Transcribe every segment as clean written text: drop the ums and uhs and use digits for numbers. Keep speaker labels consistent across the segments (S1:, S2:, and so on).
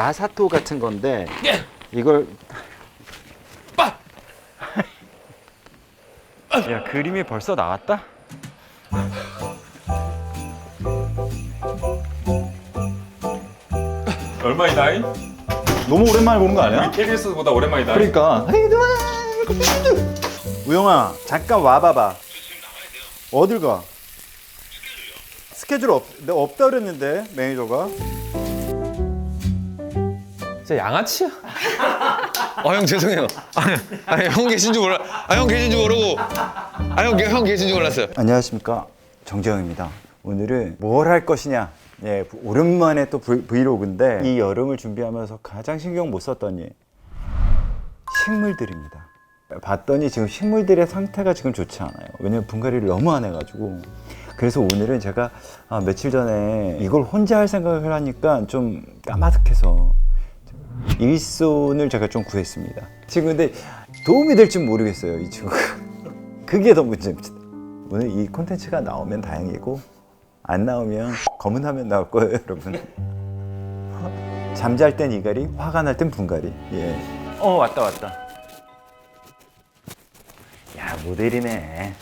S1: 마사토 같은 건데
S2: 예.
S1: 이걸
S2: 빠!
S1: 야, 그림이 벌써 나왔다?
S2: 얼마이다이?
S3: 너무 오랜만에 보는 거 아니야?
S2: KBS보다 오랜만이다.
S3: 그러니까. 우영아, 잠깐 와봐봐. 어딜 가? 스케줄 없다 그랬는데 매니저가.
S4: 진짜 양아치야? 형 죄송해요. 아니 형 계신 줄 몰라. 형 계신 줄 모르고. 형 계신 줄 몰랐어요.
S3: 안녕하십니까, 정재영입니다. 오늘은 뭘 할 것이냐. 예, 오랜만에 또 브이로그인데 이 여름을 준비하면서 가장 신경 못 썼더니 식물들입니다. 봤더니 지금 식물들의 상태가 지금 좋지 않아요. 왜냐면 분갈이를 너무 안 해가지고. 그래서 오늘은 제가 며칠 전에 이걸 혼자 할 생각을 하니까 좀 까마득해서 일손을 제가 좀 구했습니다. 지금 근데 도움이 될지 모르겠어요, 이 친구가. 그게 더 문제입니다. 오늘 이 콘텐츠가 나오면 다행이고 안 나오면 검은 화면 나올 거예요, 여러분. 잠잘 땐 이갈이, 화가 날 땐 분갈이. 예. 왔다. 야, 모델이네.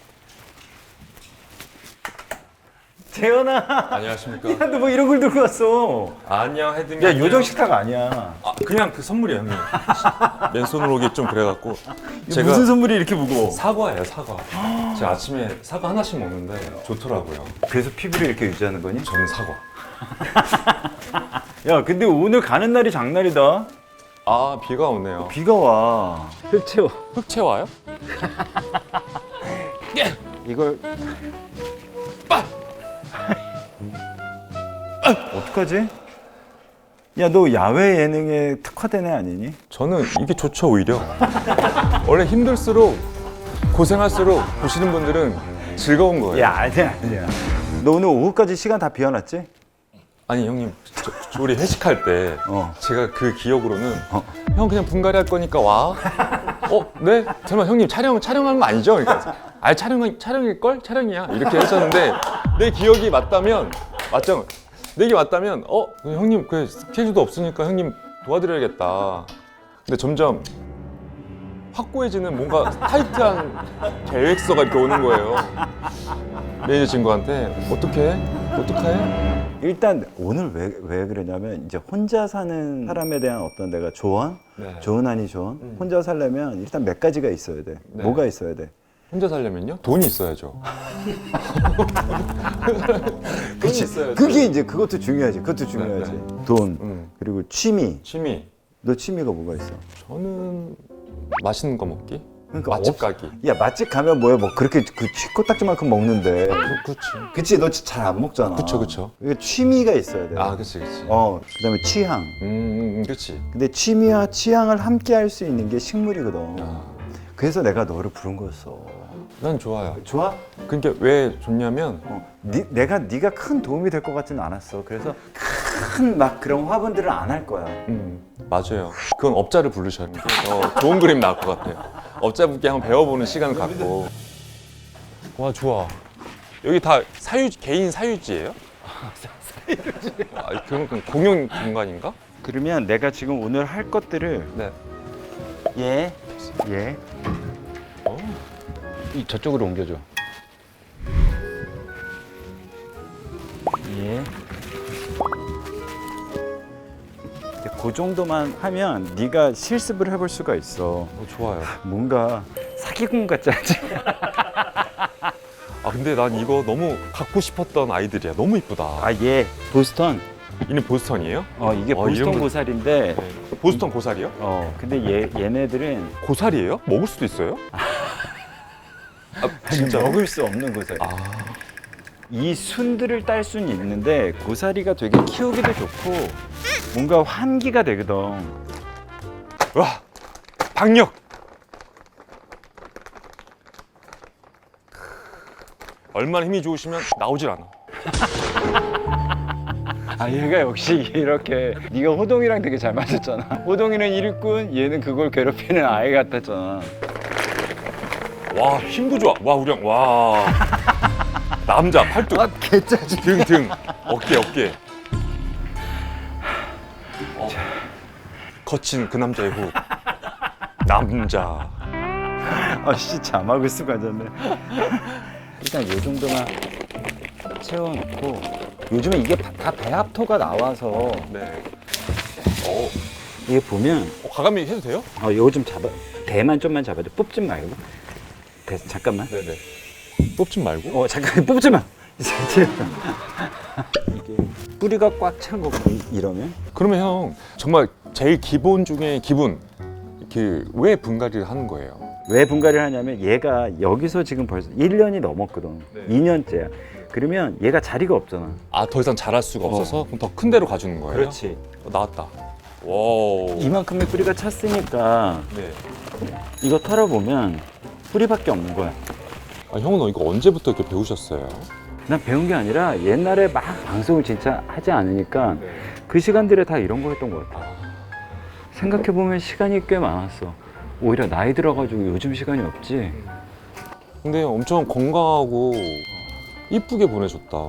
S3: 재현아.
S2: 안녕하십니까?
S3: 야, 너 뭐 이런 걸 들고 왔어?
S2: 안녕 헤드미.
S3: 야, 요정 식탁 아니야.
S2: 그냥 그 선물이에요, 형님. 맨손으로 오기 좀 그래갖고. 제가
S3: 무슨 선물이 이렇게 무거워?
S2: 사과예요, 사과. 제가 아침에 사과 하나씩 먹는데 좋더라고요.
S3: 그래서 피부를 이렇게 유지하는 거니?
S2: 저는 사과.
S3: 야, 근데 오늘 가는 날이 장날이다.
S2: 아, 비가 오네요.
S3: 비가 와. 흙 채워.
S2: 흙 채워요?
S1: 이걸
S3: 어떡하지? 야, 너 야외 예능에 특화된 애 아니니?
S2: 저는 이게 좋죠, 오히려. 원래 힘들수록 고생할수록 보시는 분들은 즐거운 거예요.
S3: 야, 아니야. 너 오늘 오후까지 시간 다 비워놨지?
S2: 아니 형님, 우리 회식할 때 제가 그 기억으로는 형 그냥 분갈이 할 거니까 와. 네? 설마 형님 촬영한 거 아니죠? 그러니까 촬영일 걸? 촬영이야. 이렇게 했었는데 내 기억이 맞다면 맞죠? 내 기억이 맞다면 형님 그 스케줄도 없으니까 형님 도와드려야겠다. 근데 점점 확고해지는 뭔가 타이트한 계획서가 이렇게 오는 거예요. 매니저 친구한테 어떡해?
S3: 일단 오늘 왜 그러냐면 이제 혼자 사는 사람에 대한 어떤 내가 조언?
S2: 네.
S3: 조언 아니 조언? 혼자 살려면 일단 몇 가지가 있어야 돼.
S2: 네.
S3: 뭐가 있어야 돼?
S2: 혼자 살려면요? 돈이 있어야죠.
S3: 그치. 그게 이제 그것도 중요하지. 그것도 중요하지. 돈, 그리고 취미.
S2: 취미.
S3: 너 취미가 뭐가 있어?
S2: 저는 맛있는 거 먹기.
S3: 그러니까
S2: 맛집 가기.
S3: 야, 맛집 가면 뭐야? 뭐 그렇게 그 코딱지만큼 먹는데.
S2: 그렇지.
S3: 그치, 너 잘 안 먹잖아.
S2: 그쵸.
S3: 이게 취미가 있어야 돼.
S2: 그치.
S3: 그다음에 취향.
S2: 그치.
S3: 근데 취미와 취향을 함께 할 수 있는 게 식물이거든.
S2: 아.
S3: 그래서 내가 너를 부른 거였어.
S2: 난 좋아요.
S3: 좋아?
S2: 그러니까 왜 좋냐면
S3: 네가 큰 도움이 될 것 같지는 않았어. 그래서 큰 막 그런 화분들을 안 할 거야.
S2: 맞아요. 그건 업자를 부르셔야 돼요. 좋은 그림 나올 것 같아요. 업자분께 한번 배워보는 시간을 갖고. 와, 좋아. 여기 다 개인 사유지예요? 사유지. 그건 공용 공간인가?
S1: 그러면 내가 지금 오늘 할 것들을
S2: 네.
S1: 얘
S4: 저쪽으로 옮겨줘.
S1: 이제 그 정도만 하면 네가 실습을 해볼 수가 있어.
S2: 좋아요.
S1: 뭔가 사기꾼 같지 않지?
S2: 근데 난 이거 너무 갖고 싶었던 아이들이야. 너무 이쁘다.
S1: 얘 보스턴.
S2: 이는 보스턴이에요?
S1: 이게 보스턴
S2: 이런 거-
S1: 고사리인데
S2: 보스턴 고사리요?
S1: 근데 얘네들은
S2: 고사리예요? 먹을 수도 있어요? 진짜
S1: 먹을 수 없는 고사리. 이 순들을 딸 수는 있는데 고사리가 되게 키우기도 좋고 뭔가 환기가 되거든.
S2: 와, 박력. 얼마나 힘이 좋으시면 나오질 않아.
S1: 얘가 역시 이렇게 네가 호동이랑 되게 잘 맞았잖아. 호동이는 일꾼, 얘는 그걸 괴롭히는 아이 같았잖아.
S2: 와, 힘도 좋아. 와, 우령. 와. 남자 팔뚝.
S3: 개짜증.
S2: 등. 어깨. 거친 그 남자의 후. 남자.
S3: 아씨 자막을 쓰고 앉았네. 일단 이 정도만 채워놓고 요즘에 이게 다 배합토가 나와서
S2: 네.
S3: 이게 보면
S2: 가감이 해도 돼요?
S3: 요거 좀 잡아 대만 좀만 잡아줘. 뽑지 말고. 잠깐만.
S2: 네네. 뽑지 말고?
S3: 잠깐 뽑지 마. 이게 뿌리가 꽉 찬 거 이러면
S2: 그러면 형 정말 제일 기본 중에 기본 왜 분갈이를 하는 거예요?
S3: 왜 분갈이를 하냐면 얘가 여기서 지금 벌써 1년이 넘었거든.
S2: 네.
S3: 2년째야. 그러면 얘가 자리가 없잖아.
S2: 아 더 이상 자랄 수가 없어서 그럼 더 큰 데로 가주는 거예요?
S3: 그렇지.
S2: 나왔다. 와우.
S3: 이만큼의 뿌리가 찼으니까
S2: 네.
S3: 이거 털어보면 뿌리밖에 없는 거야.
S2: 아, 형은 이거 언제부터 이렇게 배우셨어요?
S3: 난 배운 게 아니라 옛날에 막 방송을 진짜 하지 않으니까 그 시간들에 다 이런 거 했던 것 같아. 생각해보면 시간이 꽤 많았어. 오히려 나이 들어가지고 요즘 시간이 없지.
S2: 근데 엄청 건강하고 이쁘게 보내줬다.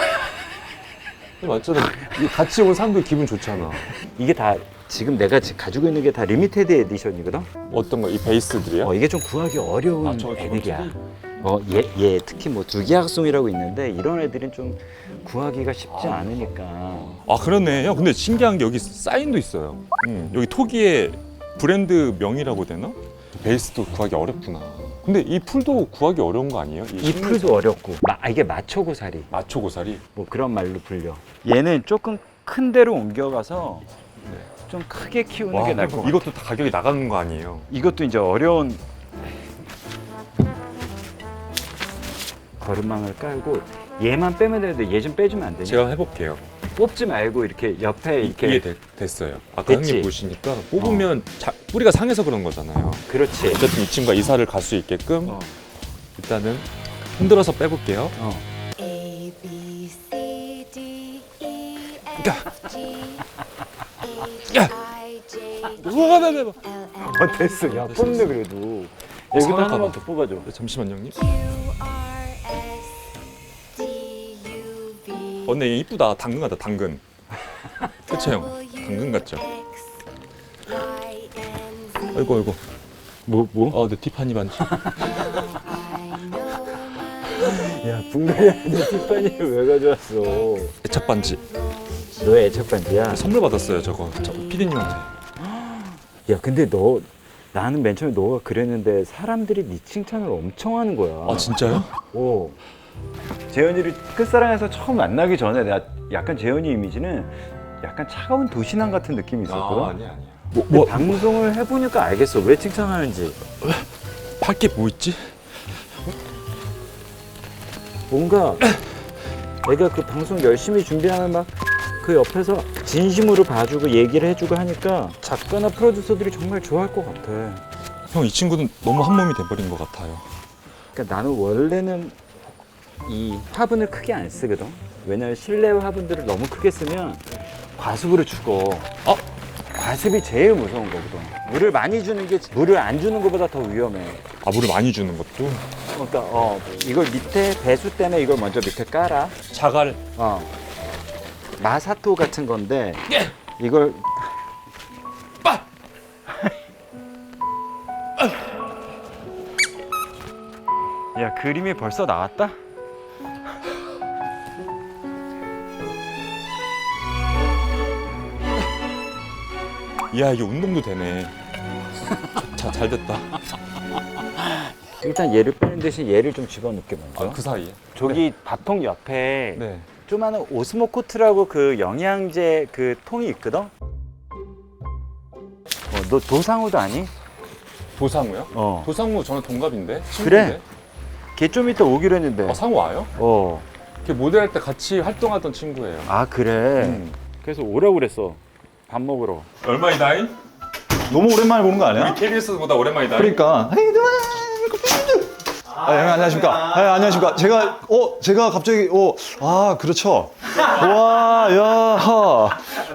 S2: 맞잖아. 같이 온 사람들 기분 좋잖아.
S3: 이게 다 지금 내가 가지고 있는 게 다 리미테드 에디션이거든.
S2: 어떤 거? 이 베이스들이요?
S3: 이게 좀 구하기 어려운
S2: 저
S3: 애들이야. 얘 특히 뭐 두기학송이라고 있는데 이런 애들은 좀 구하기가 쉽지 않으니까.
S2: 아 그렇네. 형 근데 신기한 게 여기 사인도 있어요. 여기 토기의 브랜드 명이라고 되나? 베이스도 구하기 어렵구나. 근데 이 풀도 구하기 어려운 거 아니에요?
S3: 이 풀도 어렵고 이게 마초고사리
S2: 마초고사리?
S3: 뭐 그런 말로 불려. 얘는 조금 큰 데로 옮겨가서 좀 크게 키우는 게 나을 것 같아.
S2: 이것도 다 가격이 나가는 거 아니에요?
S3: 이것도 이제 어려운 거름망을 깔고 얘만 빼면 되는데 얘 좀 빼주면 안 되냐?
S2: 제가 해볼게요.
S3: 뽑지 말고 이렇게 옆에 이렇게
S2: 됐어요. 아까
S3: 됐지?
S2: 형님 보시니까 뽑으면 뿌리가 상해서 그런 거잖아요.
S3: 그렇지.
S2: 어쨌든 이 친구가 이사를 갈 수 있게끔
S3: 어.
S2: 일단은 흔들어서 빼볼게요.
S5: A B C D E
S2: 야.
S5: F G
S2: 야.
S5: H I J
S2: 우와,
S5: L M
S3: 됐어. 야 뽑네 그래도. 여기도
S2: 사랑하다.
S3: 하나만 더 뽑아줘.
S2: 잠시만요, 형님.
S5: Q R S T U V
S2: 근데 이쁘다. 당근 같다, 당근. 그쵸, 형? 당근 같죠?
S5: X Y and Z
S2: 아이고.
S3: 뭐?
S2: 네, 티파니 반지.
S5: I know my
S3: 야 분갈이하는데 티파니를 왜 가져왔어?
S2: 애착 반지.
S3: 너의 애착 반지야?
S2: 선물 받았어요, 저거. 피디님한테.
S3: 야 근데 나는 맨 처음에 너가 그랬는데 사람들이 네 칭찬을 엄청 하는 거야.
S2: 아, 진짜요?
S3: 오. 재현이를 끝사랑에서 처음 만나기 전에 내가 약간 재현이 이미지는 약간 차가운 도시남 같은 느낌이 있었거든.
S2: 아니야.
S3: 근데 방송을 해보니까 알겠어. 왜 칭찬하는지.
S2: 팔게 뭐 있지?
S3: 뭔가 내가 그 방송 열심히 준비하면 막 그 옆에서 진심으로 봐주고 얘기를 해주고 하니까 작가나 프로듀서들이 정말 좋아할 것 같아.
S2: 형, 이 친구는 너무 한 몸이 돼버린 것 같아요.
S3: 그러니까 나는 원래는 이 화분을 크게 안 쓰거든. 왜냐면 실내 화분들을 너무 크게 쓰면 과습으로 죽어. 과습이 제일 무서운 거거든. 물을 많이 주는 게 물을 안 주는 것보다 더 위험해.
S2: 아, 물을 많이 주는 것도?
S3: 그러니까 이걸 밑에 배수 때문에 이걸 먼저 밑에 깔아.
S2: 자갈.
S3: 마사토 같은 건데 이걸 야 그림이 벌써 나왔다?
S2: 이야, 이게 운동도 되네. 자, 잘 됐다.
S3: 일단 얘를 빼는 대신 얘를 좀 집어넣게 먼저.
S2: 그 사이에.
S3: 저기 밥통 옆에
S2: 네.
S3: 조그마한 오스모코트라고 그 영양제 그 통이 있거든? 너 도상우도 아니?
S2: 도상우요? 도상우 저는 동갑인데?
S3: 그래. 걔 좀 이따 오기로 했는데.
S2: 상우 와요? 걔 모델할 때 같이 활동하던 친구예요.
S3: 아 그래. 그래서 오라고 그랬어. 밥 먹으러.
S2: 얼마이다잉?
S6: 너무 오랜만에 보는 거 아니야?
S2: KBS보다 오랜만이다.
S6: 그러니까. 형 안녕하십니까? 안녕하십니까? 제가 갑자기 그렇죠. 와, 야.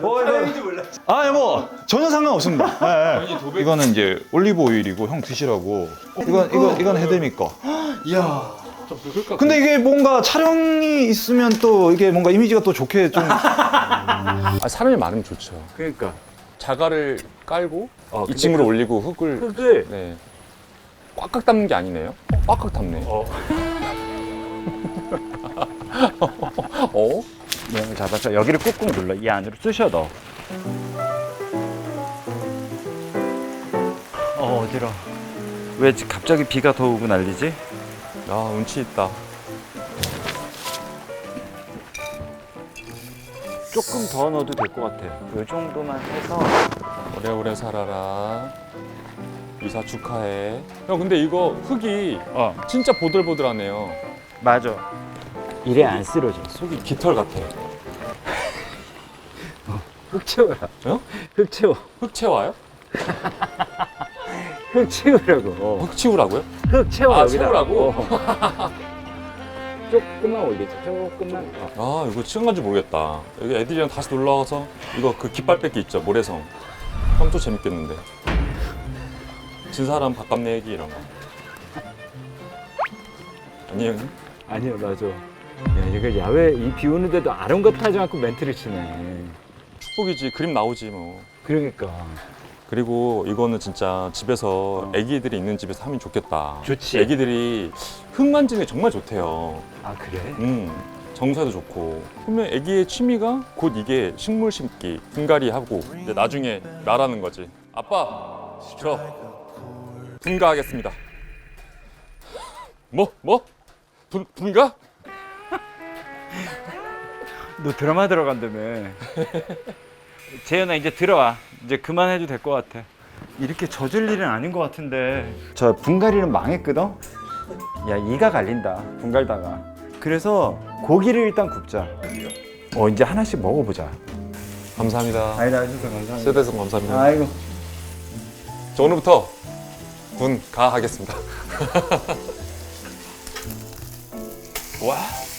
S6: 뭐 전혀 상관없습니다. 이거는 이제 올리브 오일이고 형 드시라고. 이건 해드릴 거. 이야. 근데 이게 뭔가 촬영이 있으면 또 이게 뭔가 이미지가 또 좋게 좀.
S2: 사람이 많으면 좋죠.
S3: 그러니까
S2: 자갈을 깔고
S1: 근데
S2: 2층으로 올리고 흙을
S1: 흙을
S2: 네. 꽉꽉 담는 게 아니네요. 꽉꽉 담네.
S1: 모양을 잡아서 여기를 꾹꾹 눌러 이 안으로 쑤셔 넣어. 어지러. 왜 갑자기 비가 더 오고 난리지?
S2: 아, 운치 있다.
S1: 조금 더 넣어도 될 것 같아. 이 정도만 해서.
S2: 오래오래 살아라. 이사 축하해. 형, 근데 이거 흙이 진짜 보들보들하네요.
S1: 맞아. 이래 안 쓰러져.
S2: 속이 깃털 같아.
S1: 흙 채워라.
S2: 어?
S1: 흙 채워.
S2: 흙 채워요?
S1: 흙 채우라고.
S2: 흙 치우라고요?
S1: 흙 채워.
S2: 아,
S1: 여기다.
S2: 채우라고?
S1: 조금만 올리자. 조금만.
S2: 아, 이거 치운 건지 모르겠다. 여기 애들이랑 다시 놀러 와서 이거 그 깃발 뺏기 있죠, 모래성. 형 또 재밌겠는데. 진 사람 밥값 내기 이런 거. 아니에요?
S1: 아니요, 맞아. 야, 이거 야외 이 비 오는데도 아랑곳하지 않고 멘트를 치네.
S2: 축복이지. 그림 나오지 뭐.
S1: 그러니까.
S2: 그리고 이거는 진짜 집에서 애기들이 있는 집에서 하면 좋겠다.
S1: 좋지.
S2: 애기들이 흙 만지는 게 정말 좋대요.
S1: 아, 그래?
S2: 정서에도 좋고. 그러면 애기의 취미가 곧 이게 식물 심기, 분갈이 하고 이제 나중에 말하는 거지. 아빠, 저 분가하겠습니다. 뭐? 분가?
S1: 너 드라마 들어간다며. 재현아, 이제 들어와. 이제 그만해도 될 것 같아. 이렇게 젖을 일은 아닌 것 같은데. 저 분갈이는 망했거든? 야, 이가 갈린다. 분갈다가. 그래서 고기를 일단 굽자. 이제 하나씩 먹어보자.
S2: 감사합니다.
S1: 아니다, 해주셔서 감사합니다.
S2: 세대성 감사합니다.
S1: 아이고.
S2: 저 오늘부터 분가하겠습니다. 와.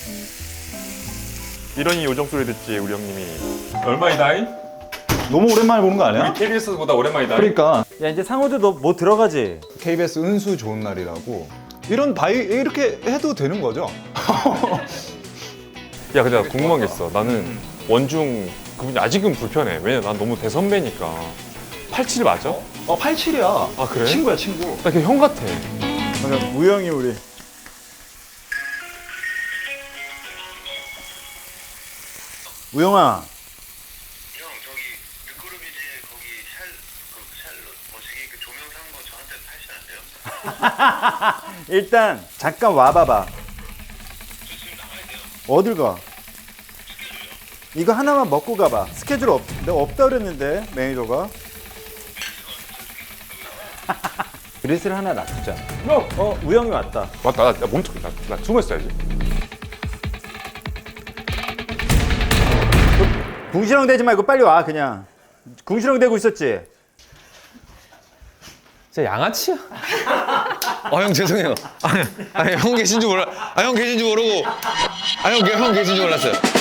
S2: 이러니 요정 소리 듣지 우리 형님이. 얼마이다잉?
S6: 너무 오랜만에 보는 거 아니야?
S2: KBS보다 오랜만이다.
S6: 그러니까
S1: 야, 이제 상호도 너 뭐 들어가지?
S6: KBS 은수 좋은 날이라고 이런 바이 이렇게 해도 되는 거죠?
S2: 야, 근데 나 궁금한 게 있어. 나는 원중 그분이 아직은 불편해. 왜냐, 난 너무 대선배니까. 87 맞아?
S6: 87이야.
S2: 아, 그래?
S6: 친구야, 친구.
S2: 나 걔 형 같아.
S1: 우영이 우리. 우영아.
S7: 형 저기 르크루비지 거기 뭐지기 그 조명 산 거 저한테 파시면 안 돼요?
S1: 일단 잠깐 와봐봐. 어딜 가? 이거 하나만 먹고 가봐. 스케줄 내가 없다 그랬는데 매니저가. 그릇을 하나 놔두자. 우영이 왔다.
S2: 맞다. 나 몸통, 나 숨어 있어야지.
S1: 궁시렁 대지 말고 빨리 와 그냥. 궁시렁 대고 있었지?
S4: 진짜 양아치야? 형 죄송해요. 아니, 형 계신 줄 몰라. 형 계신 줄 모르고. 형 계신 줄 몰랐어요.